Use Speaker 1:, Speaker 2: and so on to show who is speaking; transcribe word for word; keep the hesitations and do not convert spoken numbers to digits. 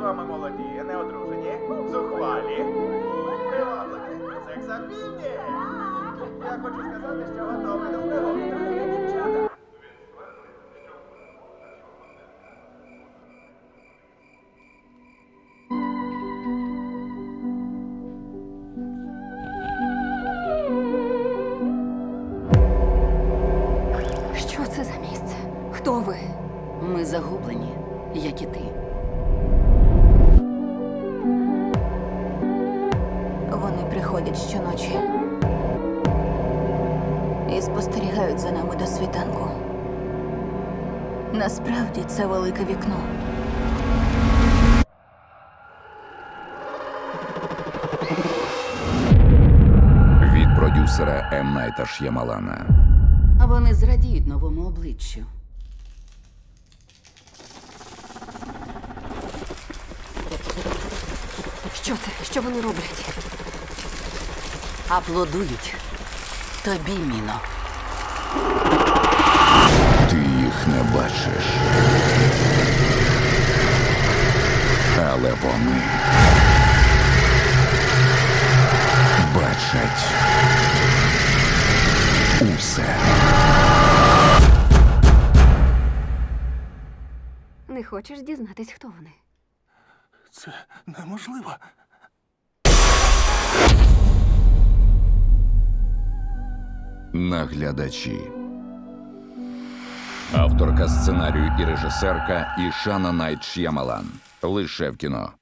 Speaker 1: ми молоді, не одружені, зухвалі, привабливі, сексапільні. Я хочу сказати, що готовий до пригоди, дорогі дівчата.
Speaker 2: Що це за місце? Хто ви?
Speaker 3: Ми загублені, як і ти.
Speaker 2: Вони приходять щоночі і спостерігають за нами до світанку. Насправді це велике вікно.
Speaker 4: Від продюсера М. Найта Ш'ямалана.
Speaker 3: А вони зрадіють новому обличчю.
Speaker 2: Що це? Що вони роблять?
Speaker 3: Аплодують тобі, Міно.
Speaker 4: Ти їх не бачиш. Але вони бачать усе.
Speaker 2: Не хочеш дізнатись, хто вони?
Speaker 5: Це неможливо.
Speaker 4: Наглядачі. Авторка сценарію і режисерка Ішана Найт Ш'ямалан. Лише в кіно.